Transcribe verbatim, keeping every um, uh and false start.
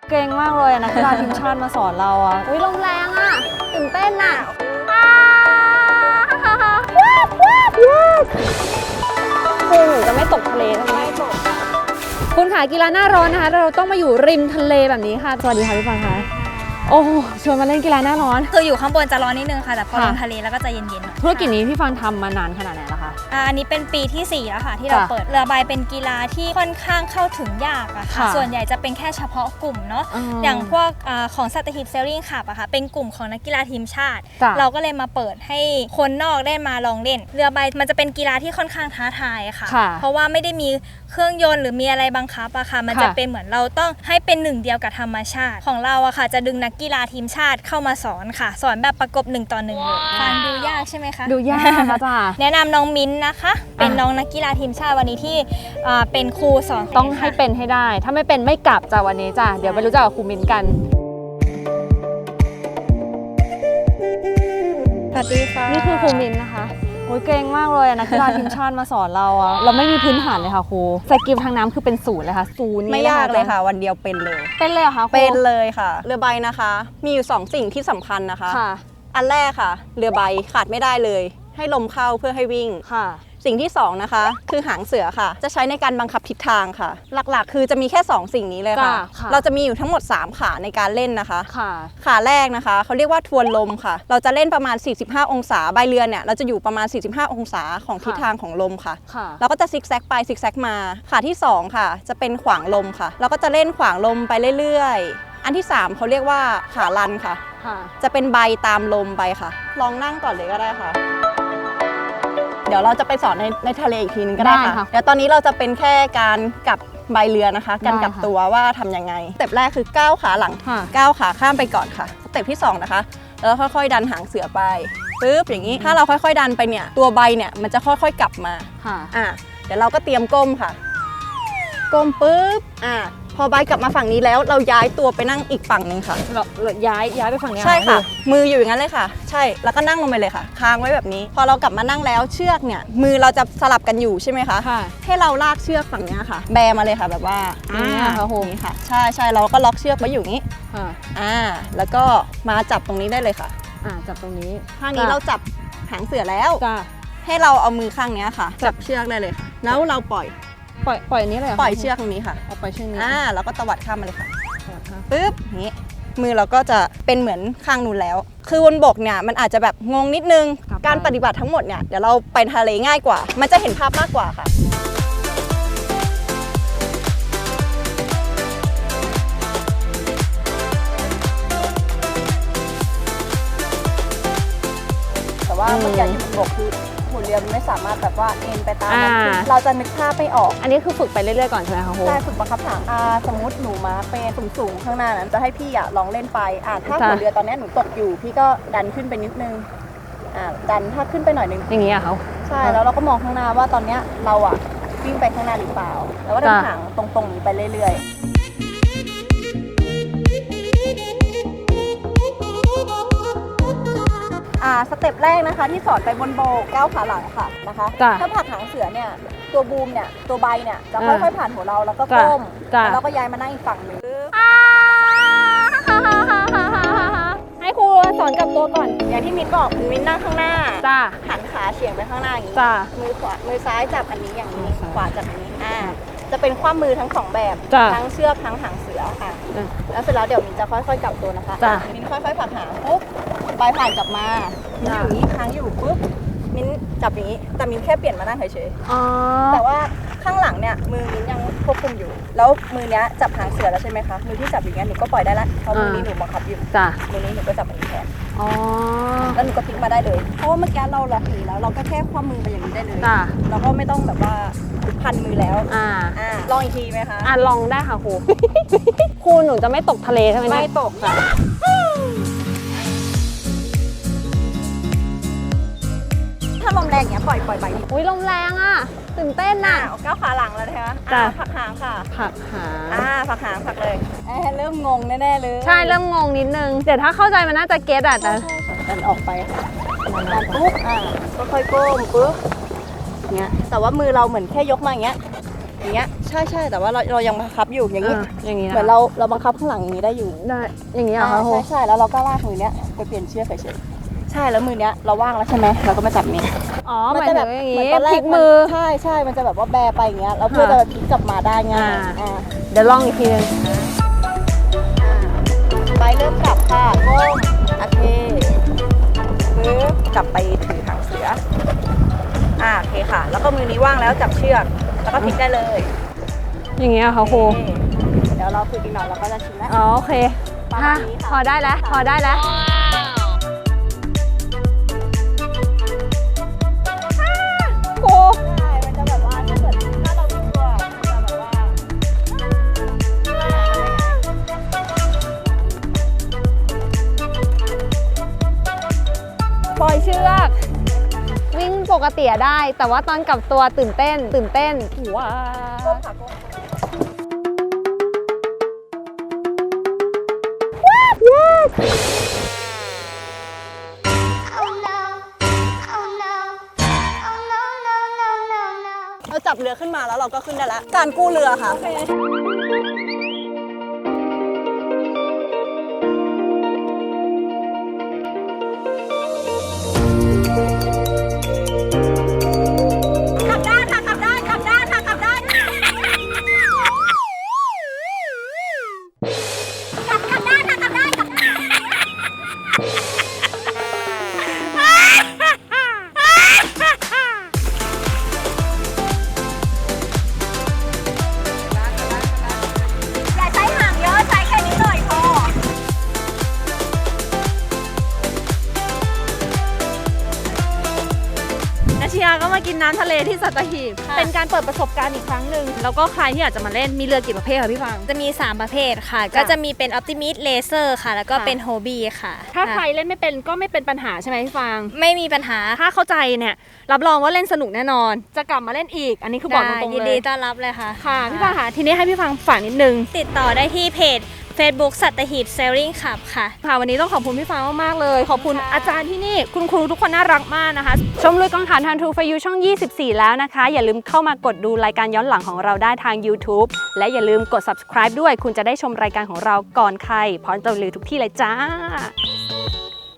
เก่งมากเลยนะกีฬาทีมชาติมาสอนเราอ่ะอุ้ยลมแรงอ่ะตื่นเต้นอ่ะคุณหนูจะไม่ตกทะเลใช่ไหมไม่ตกคุณค่ะกีฬาหน้าร้อนนะคะเราต้องมาอยู่ริมทะเลแบบนี้ค่ะสวัสดีค่ะพี่ฟังค่ะโอ้ชวนมาเล่นกีฬาหน้าร้อนคืออยู่ข้างบนจะร้อนนิดนึงค่ะแต่พอลงทะเลแล้วก็จะเย็นๆธุรกิจนี้พี่ฟังทำมานานขนาดไหนแล้วคะอันนี้เป็นปีที่สี่แล้วค่ะที่เราเปิดเรือใบเป็นกีฬาที่ค่อนข้างเข้าถึงยากอะค่ะส่วนใหญ่จะเป็นแค่เฉพาะกลุ่มเนาะอย่างพวกของสัตหีบเซลลิงคลับอะค่ะเป็นกลุ่มของนักกีฬาทีมชาติเราก็เลยมาเปิดให้คนนอกได้มาลองเล่นเรือใบมันจะเป็นกีฬาที่ค่อนข้างท้าทายค่ะเพราะว่าไม่ได้มีเครื่องยนต์หรือมีอะไรบังคับอะค่ะมันจะเป็นเหมือนเราต้องให้เป็นหนึ่งเดียวกับธรรมชาติของเราอะค่ะจะดึงนักกีฬาทีมชาติเข้ามาสอนค่ะสอนแบบประกบหนึ่งต่อหนึ่งเลยฟังดูยากใช่ไหมคะดูยากค่ะจ้าแนะนำน้องมิ้นนะคะเป็นน้องนักกีฬาทีมชาติวันนี้ที่เป็นครูสอนต้องให้เป็นให้ได้ถ้าไม่เป็นไม่กลับจ้าวันนี้จ้าเดี๋ยวไปรู้จักกับครูมิ้นกันสวัสดีค่ะนี่คือครูมิ้นนะคะโอ้ยเก่งมากเลยนักกีฬาทีมชาติมาสอนเราอะเราไม่มีพื้นฐานเลยค่ะครูสกิลทางน้ำคือเป็นศูนย์เลยค่ะศูนย์ไม่ยากเลยค่ะวันเดียวเป็นเลยเป็นเลยเหรอคะเป็นเลยค่ะเรือใบนะคะมีอยู่สองสิ่งที่สำคัญนะคะอันแรกค่ะเรือใบขาดไม่ได้เลยให้ลมเข้าเพื่อให้วิ่งค่ะสิ่งที่สองนะคะคือหางเสือค่ะจะใช้ในการบังคับทิศทางค่ะหลักๆคือจะมีแค่สองสิ่งนี้เลยค่ะเราจะมีอยู่ทั้งหมดสามขาในการเล่นนะคะขาแรกนะคะเขาเรียกว่าทวนลมค่ะเราจะเล่นประมาณสี่สิบห้าองศาใบเรือเนี่ยเราจะอยู่ประมาณสี่สิบห้าองศาของทิศทางของลมค่ะเราก็จะซิกแซกไปซิกแซกมาขาที่สองค่ะจะเป็นขวางลมค่ะเราก็จะเล่นขวางลมไปเรื่อยๆอันที่สามเขาเรียกว่าขาลันค่ะจะเป็นใบตามลมไปค่ะลองนั่งก่อนเลยก็ได้ค่ะเดี๋ยวเราจะไปสอนในในทะเลอีกทีนึงก็ได้ค่ะเดี๋ยวตอนนี้เราจะเป็นแค่การกลับใบเรือนะคะการกลับตัวว่าทำยังไงสเต็ปแรกคือก้าวขาหลังก้าวขาข้ามไปก่อนค่ะสเต็ปที่สองนะคะแล้วค่อยๆดันหางเสือไปปึ๊บอย่างนี้ถ้าเราค่อยๆดันไปเนี่ยตัวใบเนี่ยมันจะค่อยๆกลับมาอ่าเดี๋ยวเราก็เตรียมก้มค่ะก้มปึ๊บอ่าพอใบกลับมาฝั่งนี้แล้วเราย้ายตัวไปนั่งอีกฝั่งหนึ่งค่ะเราย้ายย้ายไปฝั่งนี้ใช่ค่ะมืออยู่อย่างนั้นเลยค่ะใช่แล้วก็นั่งลงไปเลยค่ะค้างไว้แบบนี้พอเรากลับมานั่งแล้วเชือกเนี่ยมือเราจะสลับกันอยู่ใช่ไหมคะให้เราลากเชือกฝั่งนี้ค่ะแบมาเลยค่ะแบบว่าอ่าค่ะโหนี่ค่ะใช่ใช่เราก็ล็อกเชือกไว้อยู่นี้อ่าแล้วก็มาจับตรงนี้ได้เลยค่ะอ่าจับตรงนี้ข้างนี้เราจับหางเสือแล้วให้เราเอามือข้างนี้ค่ะจับเชือกได้เลยค่ะแล้วเราปล่อยปล่อยปล่อยอันนี้เลยปล่อยเชือกตรงนี้ค่ะเอาปล่อยเชือกนี้อ่าแล้วก็ตวัดข้ามมาเลยค่ะปึ๊บนี้มือเราก็จะเป็นเหมือนข้างนู้นแล้วคือบนบกเนี่ยมันอาจจะแบบงงนิดนึงการปฏิบัติทั้งหมดเนี่ยเดี๋ยวเราไปทะเลง่ายกว่ามันจะเห็นภาพมากกว่าค่ะแต่ว่าเมื่อกี้ที่บนบกคือหัวเรือไม่สามารถแบบว่าเอ็นไปตามเราจะนึกภาพไม่ออกอันนี้คือฝึกไปเรื่อยๆก่อนใช่ไหมคะครูใช่ฝึกบังคับหางสมมติหนูมาเป็นสูงๆข้างหน้านั้นจะให้พี่อ่ะลองเล่นไปอ่าถ้าหัวเรือตอนนี้หนูตกอยู่พี่ก็ดันขึ้นไปนิดนึงอ่าดันถ้าขึ้นไปหน่อยนึงอย่างนี้อะเขาใช่แล้วเราก็มองข้างหน้าว่าตอนนี้เราอ่ะวิ่งไปข้างหน้าหรือเปล่าแล้วก็เดินหางตรงๆนี้ไปเรื่อยๆอ่าสเต็ปแรกนะคะที่สอนไปบนโบกก้าวขาหลังค่ะนะคะถ้าผลักหางเสือเนี่ยตัวบูมเนี่ยตัวใบเนี่ยจะค่อยๆผ่านหัวเราแล้วก็ก้มแล้วเราก็ย้ายมานั่งอีกฝั่งหนึ่งให้ครูสอนกับตัวก่อนอย่างที่มิ้นบอกคือมิ้นนั่งข้างหน้าจ้าหันขาเฉียงไปข้างหน้าอย่างนี้มือขวามือซ้ายจับอันนี้อย่างนี้ขวาจับอันนี้อ่าจะเป็นคว่ำมือทั้งสองแบบทั้งเชือกทั้งหางเสือค่ะแล้วเสร็จแล้วเดี๋ยวมิ้นจะค่อยๆกลับตัวนะคะมิ้นค่อยๆผลักหางปุ๊บใบผ่านกลับมามิ้นอยู่นี้ค้างอยู่ปุ๊บมิ้นจับอย่างนี้แต่มิ้นแค่เปลี่ยนมานั่งเฉยๆแต่ว่าข้างหลังเนี่ยมือมิ้นยังควบคุมอยู่แล้วมือเนี้ยจับหางเสือแล้วใช่ไหมคะมือที่จับอย่างเงี้ยหนูก็ปล่อยได้ละเพราะมือนี้หนูบังคับอยู่มือนี้หนูก็จับอันนี้แทนแล้วหนูก็พลิกมาได้เลยเพราะว่าเมื่อกี้เราล็อกอย่างนี้แล้วเราก็แค่คว่ำมือไปอย่างนี้ได้เลยเราก็ไม่ต้องแบบว่าพันมือแล้วอ่าอ่าลองอีกทีไหมคะอ่าลองได้ค่ะครูครูหนูจะไม่ตกทะเลใช่ไหมไม่ตกค่ะถ้าลมแรงอย่างเงี้ยปล่อยปล่อยใบนี้อุ้ยลมแรงอ่ะตื่นเต้นน่ะก้าวขาหลังแล้วนะคะอ่าผักหางค่ะผักหางอ่าผักหางผักเลยเริ่มงงแน่ๆเลยใช่เริ่มงงนิดนึงเดี๋ยวถ้าเข้าใจมันน่าจะเก็ตอ่ะแต่ดันออกไปค่ะดันปุ๊บอ่าก็ค่อยก้มปุ๊บเงี้ยแต่ว่ามือเราเหมือนแค่ยกมาอย่างเงี้ยอย่างเงี้ยใช่ใช่แต่ว่าเราเรายังบังคับอยู่อย่างนี้อ่าอย่างนี้นะเหมือนเราเราบังคับข้างหลังอย่างนี้ได้อยู่ได้อย่างนี้เหรออ่าคะโฮใช่ใช่แล้วเราก็ลากมือเนี้ยไปเปลี่ยนเชือกเฉยๆใช่แล้วมือเนี้ยเราว่างแล้วใช่ไหมเราก็มาจับนี้อ๋อหมายจะถึงอย่างเหมืนี้นตอนแรพลิกกมือใช่ใช่มันจะแบบว่าแบไปอย่างเงี้ยแล้วเพื่อจะพลิกกลับมาได้ง่ายอ่าอ่าเดี๋ยวลองอีกทีหนึงไปเริ่มกลับค่ะก้มโอเคปึ๊บกลับไปถือหางเสืออ่าโอเคค่ะ แล้วก็มือนี้ว่างแล้วจับเชือกแล้วก็พลิกได้เลยอย่างนี้เหรอคะโฮโอเคเดี๋ยวเราฝึกอีกหน่อยเราก็จะชินแล้วอ๋อโอเคประมาณนี้ค่ะพอได้แล้วพอได้แล้วโอ้ใช่มันจะแบบว่าถ้าเกิดถ้าเรารู้ตัวมันจะแบบว่าปล่อยเชือก วิ่งปกติอะได้ แต่ว่าตอนกลับตัวตื่นเต้น ตื่นเต้นว้าก้มค่ะก้ม เราจับเรือขึ้นมาแล้วเราก็ขึ้นได้แล้ว การกู้เรือค่ะ ขับได้ค่ะ ขับได้ ขับได้ค่ะ ขับได้ ขับขับได้ค่ะ ขับได้ขับได้อย่าใช้หางเยอะ ใช้แค่นี้หน่อยพอนาชิยาก็มากินน้ำทะเลที่สัตหีบ เป็นการเปิดประสบการณ์อีกครั้งหนึ่ง แล้วก็ใครที่อยากจะมาเล่น มีเรือกี่ประเภทคะพี่ฟังจะมี สาม ประเภทค่ะ ก็จะมีเป็น Optimist Laser ค่ะ แล้วก็ค่ะเป็น Hobby ค่ะถ้าใครเล่นไม่เป็นก็ไม่เป็นปัญหาใช่ไหมพี่ฟังไม่มีปัญหาถ้าเข้าใจเนี่ย รับรองว่าเล่นสนุกแน่นอน จะกลับมาเล่นอีก อันนี้คือบอกตรงยินๆเลดียต้อนรับเลยค่ะค่ะ พี่ฟังค่ะ ทีนี้ให้พี่ฟังฝากนิดนึงติดต่อได้ที่เพจ Facebook สัตหีบ Sailing Club ค่ะค่ะวันนี้ต้องขอบคุณพี่ฟ้ามากๆเลย ขอบคุณค่ะอาจารย์ที่นี่ คุณครูทุกคนน่ารักมากนะคะ ชมลุยกองถ่านทันทูฟยูช่อง ยี่สิบสี่ แล้วนะคะ อย่าลืมเข้ามากดดูรายการย้อนหลังของเราได้ทาง YouTube และอย่าลืมกด Subscribe ด้วย คุณจะได้ชมรายการของเราก่อนใครพร้อมจะรีวิวทุกที่เลยจ้า